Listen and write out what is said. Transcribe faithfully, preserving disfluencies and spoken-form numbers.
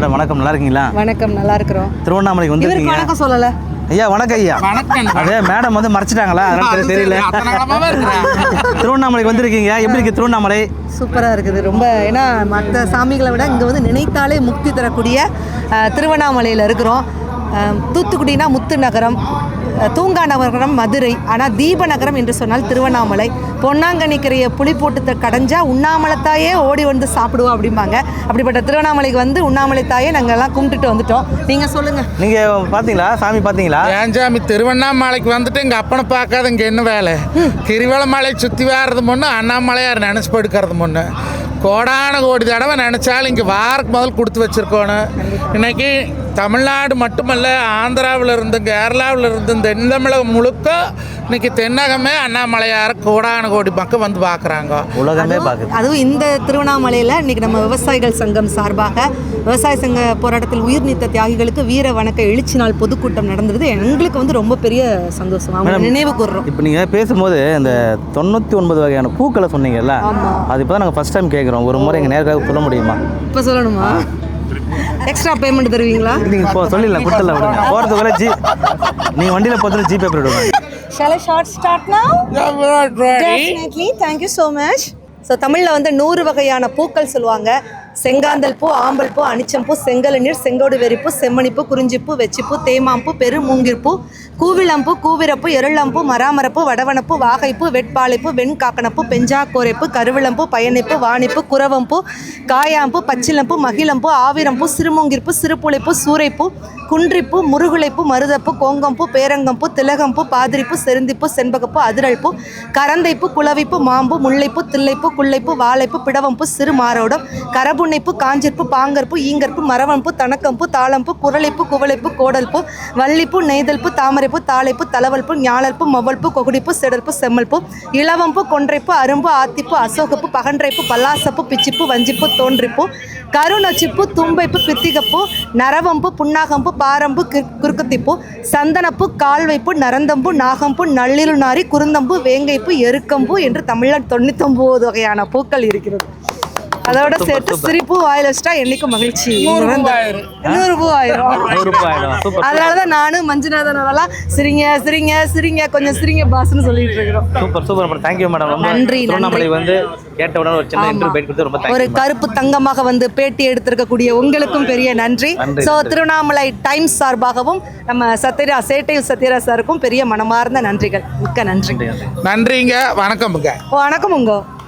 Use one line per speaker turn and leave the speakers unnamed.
Madam வணக்கம், நல்லா இருக்கீங்களா?
வணக்கம், நல்லா இருக்கிறோம்.
திருவண்ணாமலைக்கு வந்துருக்கீங்க.
வணக்கம் சொல்லல
ஐயா. வணக்கம் ஐயா.
வணக்கம்.
அதே மேடம் வந்து மறைச்சிட்டாங்களா, அதனால தெரியல. திருவண்ணாமலைக்கு வந்திருக்கீங்க, எப்படி இருக்கு திருவண்ணாமலை?
சூப்பராக இருக்குது ரொம்ப. ஏன்னா மற்ற சாமிகளை விட இங்கே வந்து நினைத்தாலே முக்தி தரக்கூடிய திருவண்ணாமலையில் இருக்கிறோம். தூத்துக்குடினா முத்து நகரம், தூங்கா நகரம் மதுரை, ஆனால் தீப நகரம் என்று சொன்னால் திருவண்ணாமலை. பொன்னாங்கண்ணிக்கரையை புளி போட்டு கடைஞ்சா உண்ணாமலைத்தாயே ஓடி வந்து சாப்பிடுவோம் அப்படிம்பாங்க. அப்படிப்பட்ட திருவண்ணாமலைக்கு வந்து உண்ணாமலைத்தாயே நாங்கள் எல்லாம் கும்பிட்டுட்டு வந்துட்டோம். நீங்கள் சொல்லுங்கள்,
நீங்கள் பார்த்தீங்களா சாமி? பார்த்தீங்களா?
ஏன் சாமி திருவண்ணாமலைக்கு வந்துட்டு எங்கள் அப்பனை பார்க்காத இங்கே என்ன வேலை? கிரிவலமலை சுற்றி வர்றது முன்னே அண்ணாமலையார் நினச்சி படுக்கிறது முன்னே கோடான கோடி தடவை நினச்சாலும் இங்கே வாரக்கு முதல் கொடுத்து வச்சுருக்கோணும். இன்றைக்கி தமிழ்நாடு மட்டுமல்ல, ஆந்திராவில் இருந்து கேரளாவில் இருந்து தென் தமிழகம் முழுக்க இன்னைக்கு தென்னகமே அண்ணாமலையார் கோடான கோடி மக்கள் வந்து பார்க்குறாங்க,
உலகமே பார்க்குது.
அதுவும் இந்த திருவண்ணாமலையில் இன்றைக்கி நம்ம விவசாயிகள் சங்கம் சார்பாக விவசாய சங்க போராட்டத்தில் உயிர் நீத்த தியாகிகளுக்கு வீர வணக்க எழுச்சி நாள் பொதுக்கூட்டம் நடந்தது. எங்களுக்கு வந்து ரொம்ப பெரிய சந்தோஷம், அவங்க நினைவு கூறுறோம்.
இப்போ நீங்கள் பேசும்போது இந்த தொண்ணூற்றி ஒன்பது வகையான பூக்களை சொன்னீங்கல்ல, அது இப்போ தான் நாங்கள் ஃபஸ்ட் டைம் கேட்குறோம். ஒரு முறை எங்கள் நேரக்காக சொல்ல முடியுமா?
இப்போ சொல்லணுமா? எக்ஸ்ட்ரா பேமெண்ட் தருவீங்களா?
நீங்கள் இப்போ சொல்லிடலாம், கொடுத்துடலாம் விடுங்க. போகிறதுக்குள்ள ஜி நீங்கள் வண்டியில் போகிறது ஜிபே பண்ணிவிடுவாங்க.
Shall I short start now? Definitely. Thank you so much. So தமிழில் வந்து நூறு வகையான பூக்கள் சொல்லுவாங்க. செங்காந்தல் பூ, ஆம்பல் பூ, அனிச்சம்பூ, செங்கலநீர், செங்கோடு வெறிப்பூ, செம்மணிப்பூ, குறிஞ்சிப்பூ, வெச்சிப்பூ, தேமாம்பூ, பெரு மூங்கிற்பூ, கூவிளம்பூ, கூவிரப்பூ, எருளம்பூ, மராமரப்பூ, வடவனப்பூ, வாகைப்பூ, வெட்பாலைப்பூ, வெண்காக்கணப்பூ, பெஞ்சாக்கோரைப்பூ, கருவிளம்பூ, பயனைப்பூ, வாணிப்பூ, குரவம்பூ, காயாம்பூ, பச்சிலம்பூ, மகிழம்பூ, ஆவிரம்பூ, சிறுமூங்கிற்பூ, சிறுபுளைப்பூ, சூரைப்பூ, குன்றிப்பூ, முருகுலைப்பூ, மருதப்பூ, கோங்கம்பூ, பேரங்கம்பூ, திலகம்பூ, பாதிரிப்பூ, செருந்திப்பூ, செண்பகப்பூ, அதிரல்பூ, கரந்தைப்பூ, குளவிப்பூ, மாம்பூ, முல்லைப்பூ, தில்லைப்பூ, குள்ளைப்பூ, வாழைப்பூ, பிடவம்பூ, சிறுமாரோடம், கரபுன்னைப்பூ, காஞ்சிற்பூ, பாங்கற்பூ, ஈங்கற்பூ, மரவம்பூ, தணக்கம்பூ, தாளம்பூ, குரலைப்பூ, குவளைப்பூ, கோடல்பூ, வள்ளிப்பூ, நெய்தல்பூ, தாமரைப்பூ, தாளைப்பூ, தலவல்பூ, ஞாழல்பூ, மொவல்பூ, கொகுடிப்பூ, செடல்பூ, செம்மல்பூ, இளவம்பூ, கொன்றைப்பூ, அரும்பு, ஆத்திப்பூ, அசோகப்பூ, பகன்றைப்பூ, பல்லாசப்பூ, பிச்சிப்பூ, வஞ்சிப்பூ, தோன்றிப்பூ, கருநொச்சிப்பூ, தும்பைப்பூ, பித்திகப்பூ, நரவம்பூ, புன்னாகம்பூ, பாரம்பூ, குறுக்கத்திப்பூ, சந்தனப்பூ, கால்வைப்பூ, நரந்தம்பூ, நாகம்பூ, நள்ளிருநாரி, குருந்தம்பூ, வேங்கைப்பூ, எருக்கம்பூ என்று தமிழில் தொண்ணூத்தி ஒன்பது வகையான பூக்கள் இருக்கிறது. அதோட சேர்த்து சிரிப்பு வாயில் வச்சுட்டா என்னைக்கும் மகிழ்ச்சி, நூறு பூ ஆயிரும். அதனாலதான் நானும் மஞ்சுநாதனெல்லாம் சிரிங்க சிரிங்க சிரிங்க கொஞ்சம் சிரிங்க பாஸ்ன்னு சொல்லிட்டு இருக்கிறோம்.
Super super, thank you madam.
நன்றி.
திருவண்ணாமலை வந்து கேட்ட உடனே ஒரு சின்ன இன்டர்வியூ பேட்டி கொடுத்து ரொம்ப தேங்க்யூ.
ஒரு கருப்பு தங்கமாக வந்து பேட்டி எடுத்திருக்கக்கூடிய உங்களுக்கும் பெரிய நன்றி. ஸோ திருவண்ணாமலை டைம்ஸ் சார்பாகவும் நம்ம சத்யரா சேட்டை சத்யரா சாருக்கும் பெரிய மனமார்ந்த நன்றிகள். மிக்க நன்றி.
நன்றிங்க. வணக்கம்ங்க.
வணக்கம் உங்க